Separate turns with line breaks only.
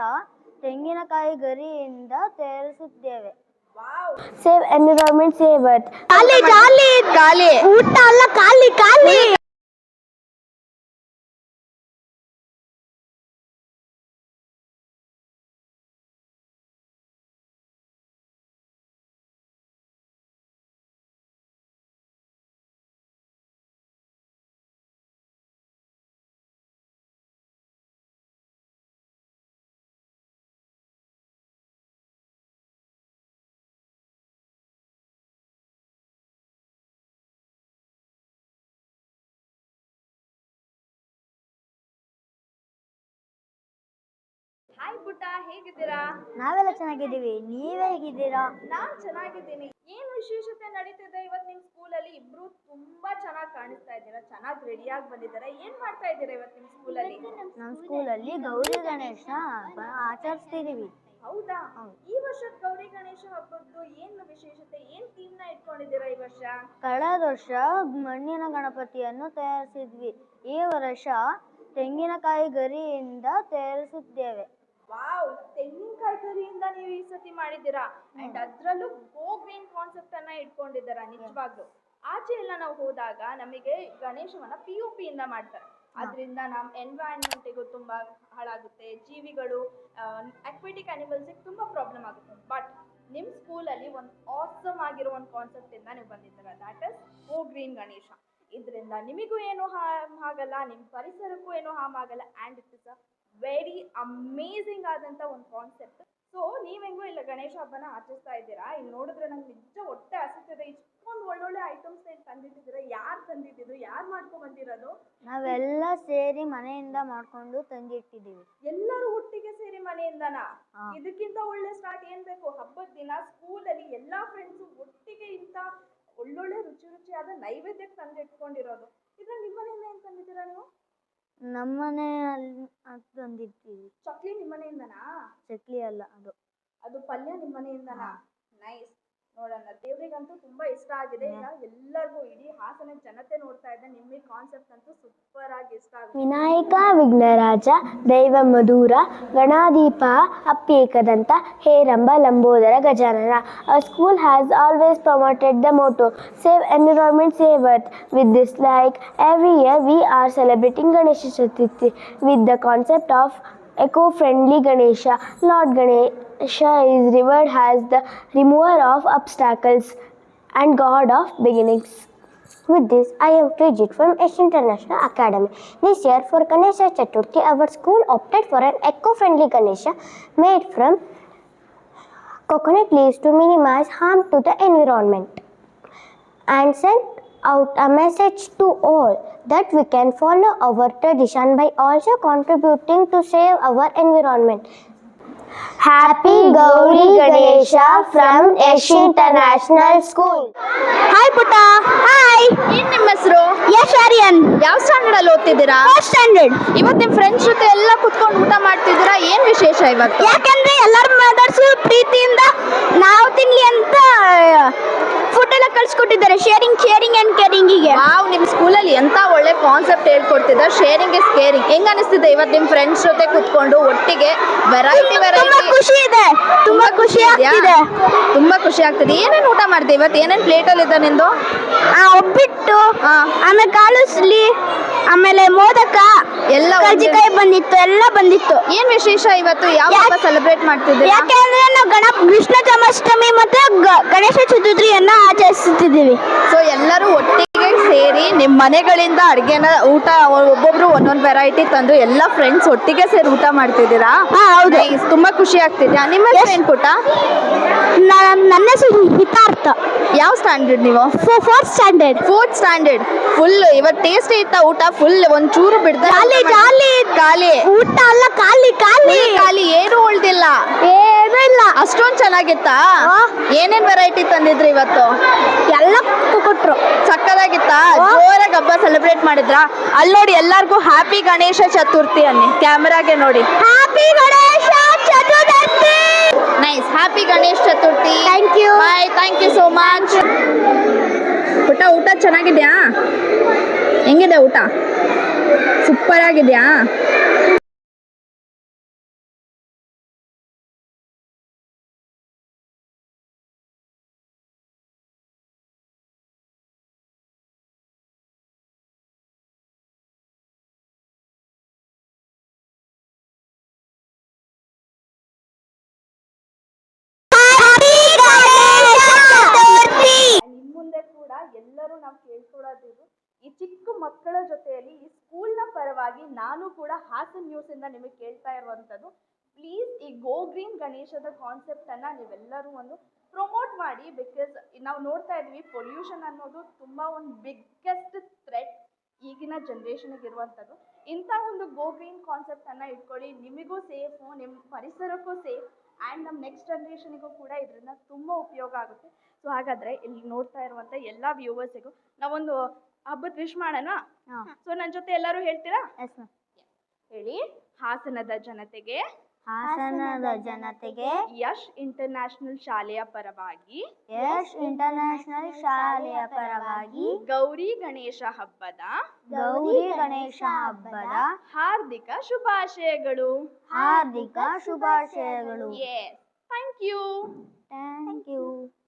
ತೆಂಗಿನಕಾಯಿ ಗರಿಯಿಂದ ತಯಾರಿಸುತ್ತೇವೆ.
Save environment, save earth.
ಖಾಲಿ
ಊಟ ಅಲ್ಲ ಖಾಲಿ.
ಹಾಯ್ ಪುಟ್ಟ, ಹೇಗಿದ್ದೀರಾ?
ನಾವೆಲ್ಲ ಚೆನ್ನಾಗಿದ್ದೀವಿ, ನೀವ್ ಹೇಗಿದ್ದೀರಾ?
ನಾನ್ ಚೆನ್ನಾಗಿದ್ದೀನಿ. ಏನ್ ವಿಶೇಷತೆ ನಡೀತಿದೆ ಇವತ್ತು ನಿಮ್ ಸ್ಕೂಲಲ್ಲಿ? ಇಬ್ರು ತುಂಬಾ ಚೆನ್ನಾಗಿ ಕಾಣಿಸ್ತಾ ಇದ್ದೀರಾ, ಚೆನ್ನಾಗಿ ರೆಡಿಯಾಗಿ ಬಂದಿದ್ದೀರಾ. ಏನ್ ಮಾಡ್ತಾ ಇದ್ದೀರಾ ಇವತ್ತು ನಿಮ್ ಸ್ಕೂಲಲ್ಲಿ?
ನಮ್ಮ ಸ್ಕೂಲಲ್ಲಿ ಗೌರಿ ಗಣೇಶ ಆಚರಿಸ್ತಿದೀವಿ.
ಹೌದಾ? ಈ ವರ್ಷದ ಗೌರಿ ಗಣೇಶ ಹಬ್ಬದ್ದು ಏನ್ ವಿಶೇಷತೆ, ಏನ್ ಥೀಮ್ ನ ಇಟ್ಕೊಂಡಿದ್ದೀರಾ ಈ ವರ್ಷ?
ಕಳೆದ ವರ್ಷ ಮಣ್ಣಿನ ಗಣಪತಿಯನ್ನು ತಯಾರಿಸಿದ್ವಿ. ಈ ವರ್ಷ ತೆಂಗಿನಕಾಯಿ ಗರಿಯಿಂದ ತಯಾರಿಸುತ್ತೇವೆ.
ವಾವ್, ತೆಂಗಿನಕಾಯಿ ಗರಿಯಿಂದ ನೀವು ಈ ಸತಿ ಮಾಡಿದ್ದೀರಾ. ಅಂಡ್ ಅದ್ರಲ್ಲೂ ಗೋ ಗ್ರೀನ್ ಕಾನ್ಸೆಪ್ಟ್ ಅನ್ನ ಇಟ್ಕೊಂಡಿದ್ದೀರಾ. ನಿಜವಾಗ್ಲು ಆಚೆ ಎಲ್ಲ ನಾವು ಹೋದಾಗ ನಮಗೆ ಗಣೇಶವನ್ನ POP ಇಂದ ಮಾಡ್ತಾರೆ. ಅದರಿಂದ ನಮ್ಮ ಎನ್ವೈರನ್ಮೆಂಟಿಗೂ ತುಂಬಾ ಹಾಳಾಗುತ್ತೆ, ಜೀವಿಗಳು ಅಕ್ವಾಟಿಕ್ ಅನಿಮಲ್ಸ್ಗೆ ತುಂಬಾ ಪ್ರಾಬ್ಲಮ್ ಆಗುತ್ತೆ. ಬಟ್ ನಿಮ್ಮ ಸ್ಕೂಲಲ್ಲಿ ಒಂದು ಆಸಮ್ ಆಗಿರೋ ಒಂದು ಕಾನ್ಸೆಪ್ಟ್ ಇಂದ ನೀವು ಬಂದಿದ್ದೀರಾ, that is go green Ganesha. ಇದರಿಂದ ನಿಮಗೂ ಏನು ಹಾರ್ಮ್ ಆಗಲ್ಲ, ನಿಮ್ಮ ಪರಿಸರಕ್ಕೂ ಏನು ಹಾರ್ಮ್ ಆಗಲ್ಲ. And it is a very amazing ಆದಂಥ ಒಂದು ಕಾನ್ಸೆಪ್ಟ್. ಸೊ ನೀವು ಹೆಂಗೋ ಇಲ್ಲ ಗಣೇಶ ಹಬ್ಬನ ಆಚರಿಸ್ತಾ ಇದ್ದೀರಾ. ಇಲ್ಲಿ ನೋಡಿದ್ರೆ ನಂಗೆ ನಿಜ ಹೊಟ್ಟೆ ಹಸಿತಿದೆ. ಇಷ್ಟೊಂದು ಒಳ್ಳೊಳ್ಳೆ ಐಟಮ್ಸ್ ತಂದಿಟ್ಟಿದ್ದೀರಾ. ಯಾರು ತಂದಿಟ್ಟಿದ್ರು, ಯಾರು ಮಾಡ್ಕೊಂಡು ಬಂದಿರೋದು?
ನಾವೆಲ್ಲ ಸೇರಿ ಮನೆಯಿಂದ ಮಾಡ್ಕೊಂಡು ತಂದಿಟ್ಟಿದ್ದೀವಿ.
ಎಲ್ಲರೂ ಒಟ್ಟಿಗೆ ಸೇರಿ ಮನೆಯಿಂದನಾ? ಇದಕ್ಕಿಂತ ಒಳ್ಳೆ ಸ್ಟಾರ್ಟ್ ಏನ್ ಬೇಕು? ಹಬ್ಬದ ದಿನ ಸ್ಕೂಲಲ್ಲಿ ಎಲ್ಲಾ ಫ್ರೆಂಡ್ಸು ಒಟ್ಟಿಗೆ ಇಂಥ ಒಳ್ಳೊಳ್ಳೆ ರುಚಿಯಾದ ನೈವೇದ್ಯಕ್ಕೆ ತಂದಿಟ್ಕೊಂಡಿರೋದು. ಇದ್ರಲ್ಲಿ ನಿಮ್ಮ ಮನೆಯಿಂದ ಏನ್ ತಂದಿದ್ದೀರಾ ನೀವು?
ನಮ್ಮನೆಯಲ್ಲಿ ತಂದಿರ್ತೀವಿ.
ಚಕ್ಲಿ ನಿಮ್ಮ ಮನೆಯಿಂದನಾ?
ಚಕ್ಲಿ ಅಲ್ಲ,
ಅದು ಪಲ್ಯ ನಿಮ್ಮ ಮನೆಯಿಂದನಾ? ನೈಸ್. ನೋಡೋಣ, ದೇವರಿಗಂತೂ ತುಂಬಾ ಇಷ್ಟ ಆಗಿದೆ. ಈಗ ಎಲ್ಲರಿಗೂ ಇಡೀ ಹಾಸನ ಜನತೆ ನೋಡ್ತಾ ಇದ್ದ ನಿಮ್ಮ ಕಾನ್ಸೆಪ್ಟ್ ಅಂತೂ ಸೂಪರ್ ಆಗಿ ಇಷ್ಟ ಆಗುತ್ತೆ.
ವಿನಾಯಕ ವಿಘ್ನರಾಜ ದೈವ ಮಧುರ ಗಣಾಧೀಪ ಅಪ್ಯೇಕದಂತ Heramba Lambodara Gajanana. Our school has always promoted the motto save environment, save earth. With this, like every year, we are celebrating Ganesha Chaturthi with the concept of eco-friendly Ganesha. Lord Ganesha is revered as the remover of obstacles and god of beginnings. With this, I am Trijit from Ash International Academy. This year, for Ganesha Chaturthi, our school opted for an eco-friendly Ganesha made from coconut leaves to minimize harm to the environment, and sent out a message to all that we can follow our tradition by also contributing to save our environment. Happy Gauri Ganesha from Ash International School.
Hi ಪುಟ್ಟ. Hi.
ಏನ್ ನಿಮ್ಮ ಹೆಸರು?
ಯಶ್ ಆರ್ಯನ್.
ಯಾವ standard ಅಲ್ಲಿ ಓದ್ತಿದ್ದೀರಾ?
First standard.
ಇವತ್ತು ನಿಮ್ಮ friends ಜೊತೆ ಎಲ್ಲ ಕುತ್ಕೊಂಡು ಊಟ ಮಾಡ್ತಿದ್ದೀರಾ, ಏನ್ ವಿಶೇಷ ಇವತ್ತು?
ಯಾಕಂದ್ರೆ ಎಲ್ಲರೂ ಮದರ್ಸು ಪ್ರೀತಿಯಿಂದ ನಾವು ತಿನ್ಲಿ ಅಂತ ಫುಡ್ ಎಲ್ಲ ಕಳ್ಸಿಕೊಟ್ಟಿದ್ದಾರೆ. ಶೇರಿಂಗ್ ಅಂಡ್ ಕೇರಿಂಗಿಗೆ.
ವಾವ್, ನಿಮ್ಮ ಸ್ಕೂಲಲ್ಲಿ ಎಂತ ಒಳ್ಳೆ ಕಾನ್ಸೆಪ್ಟ್ ಹೇಳ್ಕೊಡ್ತಿದ್ದಾರೆ. Sharing is caring. ಹೆಂಗ್ ಅನಿಸ್ತಿದೆ ಇವತ್ತು ನಿಮ್ಮ ಫ್ರೆಂಡ್ಸ್ ಜೊತೆ ಕುತ್ಕೊಂಡು ಒಟ್ಟಿಗೆ ವೆರೈಟಿ
ಖುಷಿ ಇದೆ, ತುಂಬಾ ಖುಷಿ ಆಗ್ತಿದೆ.
ತುಂಬಾ ಖುಷಿ ಆಗ್ತಿದೆ. ಏನೇನು ಊಟ ಮಾಡ್ದೆ ಇವತ್ತು? ಏನೇನು ಪ್ಲೇಟ್ ಅಲ್ಲಿ ಇದೆ ನಿಂದು?
ಒಬ್ಬಿಟ್ಟು, ಆಮೇಲೆ ಕಾಳುಸ್ಲಿ, ಆಮೇಲೆ ಮೋದಕ,
ಎಲ್ಲ
ಕರ್ಜಿಕಾಯಿ ಬಂದಿತ್ತು, ಎಲ್ಲ ಬಂದಿತ್ತು.
ಏನ್ ವಿಶೇಷ ಇವತ್ತು? ಯಾವ ಹಬ್ಬ ಸೆಲೆಬ್ರೇಟ್ ಮಾಡ್ತಿದ್ದೀರಾ?
ಯಾಕೆಂದ್ರೆ ನಾವು ಕೃಷ್ಣ ಜನ್ಮಾಷ್ಟಮಿ ಮತ್ತೆ ಗಣೇಶ ಚತುರ್ಥಿಯನ್ನ ಆಚರಿಸುತ್ತಿದ್ದೀವಿ.
ಸೊ ಎಲ್ಲರೂ ಒಟ್ಟಿಗೆ ಸೇರಿ ನಿಮ್ಮ ಮನೆಗಳಿಂದ ಅಡುಗೆನ ಊಟ ಒಬ್ಬೊಬ್ರು ಒಂದೊಂದು ವೆರೈಟಿ ತಂದು ಎಲ್ಲ ಫ್ರೆಂಡ್ಸ್ ಒಟ್ಟಿಗೆ ಸೇರಿ ಊಟ ಮಾಡ್ತಿದ್ದೀರಾ?
ಹೌದು.
ತುಂಬಾ ಖುಷಿ ಆಗ್ತಿದ್ಯಾ? ನಿಮ್ಮ ಹೆಸರು ಏನ್ ಪುಟ್ಟ?
ನನ್ನ ಹೆಸರು ಹಿತಾರ್ಥ.
ಯಾವ ಸ್ಟ್ಯಾಂಡರ್ಡ್ ನೀವು?
Fourth standard.
Fourth standard. Full ಇವತ್ತು ಟೇಸ್ಟಿ ಇತ್ತ ಊಟ? ಫುಲ್ ಒಂಚೂರು ಬಿಡ್ದ? ಖಾಲಿ
ಊಟ ಅಲ್ಲ
ಖಾಲಿ, ಏನು ಉಳ್ದಿಲ್ಲ.
ಏನೂ ಇಲ್ಲ.
ಅಷ್ಟೊಂದು ಚೆನ್ನಾಗಿತ್ತಾ? ಏನೇನ್ ವೆರೈಟಿ ತಂದಿದ್ರಿ ಇವತ್ತು?
ಎಲ್ಲ ಕೊಟ್ರು.
ಸಕ್ಕದಾಗಿತ್ತಾ? ಜೋರಾಗಿ ಹಬ್ಬ ಸೆಲೆಬ್ರೇಟ್ ಮಾಡಿದ್ರಾ? ಅಲ್ಲಿ ನೋಡಿ, ಎಲ್ಲರಿಗೂ ಹ್ಯಾಪಿ ಗಣೇಶ ಚತುರ್ಥಿ ಅನ್ನಿ, ಕ್ಯಾಮರಾಗೆ ನೋಡಿ.
Happy Ganesha Chaturthi.
Nice. Happy Ganesh Chaturthi.
Thank you.
Bye. Thank you so much. ಊಟ ಚೆನ್ನಾಗಿದ್ಯಾ? ಹೆಂಗಿದೆ ಊಟ? ಸೂಪರ್ ಆಗಿದ್ಯಾ? ಮಕ್ಕಳ ಜೊತೆಯಲ್ಲಿ ಈ ಸ್ಕೂಲ್ನ ಪರವಾಗಿ ನಾನು ಕೂಡ ಹಾಸನ್ ನ್ಯೂಸಿಂದ ನಿಮಗೆ ಕೇಳ್ತಾ ಇರುವಂಥದ್ದು, ಪ್ಲೀಸ್ ಈ ಗೋ ಗ್ರೀನ್ ಗಣೇಶದ ಕಾನ್ಸೆಪ್ಟನ್ನು ನೀವೆಲ್ಲರೂ ಒಂದು ಪ್ರಮೋಟ್ ಮಾಡಿ. ಬಿಕಾಸ್ ನಾವು ನೋಡ್ತಾ ಇದ್ವಿ ಪೊಲ್ಯೂಷನ್ ಅನ್ನೋದು ತುಂಬ ಒಂದು ಬಿಗ್ಗೆಸ್ಟ್ ಥ್ರೆಟ್ ಈಗಿನ ಜನ್ರೇಷನ್ಗೆ ಇರುವಂಥದ್ದು. ಇಂಥ ಒಂದು ಗೋ ಗ್ರೀನ್ ಕಾನ್ಸೆಪ್ಟನ್ನು ಇಟ್ಕೊಳ್ಳಿ, ನಿಮಗೂ ಸೇಫು, ನಿಮ್ಮ ಪರಿಸರಕ್ಕೂ ಸೇಫ್ ಆ್ಯಂಡ್ ನಮ್ಮ ನೆಕ್ಸ್ಟ್ ಜನ್ರೇಷನಿಗೂ ಕೂಡ ಇದರಿಂದ ತುಂಬ ಉಪಯೋಗ ಆಗುತ್ತೆ. ಸೊ ಹಾಗಾದರೆ ಇಲ್ಲಿ ನೋಡ್ತಾ ಇರುವಂಥ ಎಲ್ಲ ವ್ಯೂವರ್ಸಿಗೂ ನಾವೊಂದು ಹಬ್ಬದ ವಿಶ್ ಮಾಡೋಣ.
ಹಾಂ.
ಸೊ ನನ್ನ ಜೊತೆ ಎಲ್ಲರೂ ಹೇಳ್ತೀರಾ?
Yes ma'am.
ಹೇಳಿ. ಹಾಸನದ ಜನತೆಗೆ
ಹಾಸನದ ಜನತೆಗೆ
ಯಶ್ ಇಂಟರ್ನ್ಯಾಷನಲ್ ಶಾಲೆಯ ಪರವಾಗಿ
ಯಶ್ ಇಂಟರ್ನ್ಯಾಷನಲ್ ಶಾಲೆಯ ಪರವಾಗಿ
ಗೌರಿ ಗಣೇಶ ಹಬ್ಬದ
ಗೌರಿ ಗಣೇಶ ಹಬ್ಬದ
ಹಾರ್ದಿಕ ಶುಭಾಶಯಗಳು.
ಹಾರ್ದಿಕ ಶುಭಾಶಯಗಳು.
Yes, thank you.
Thank you.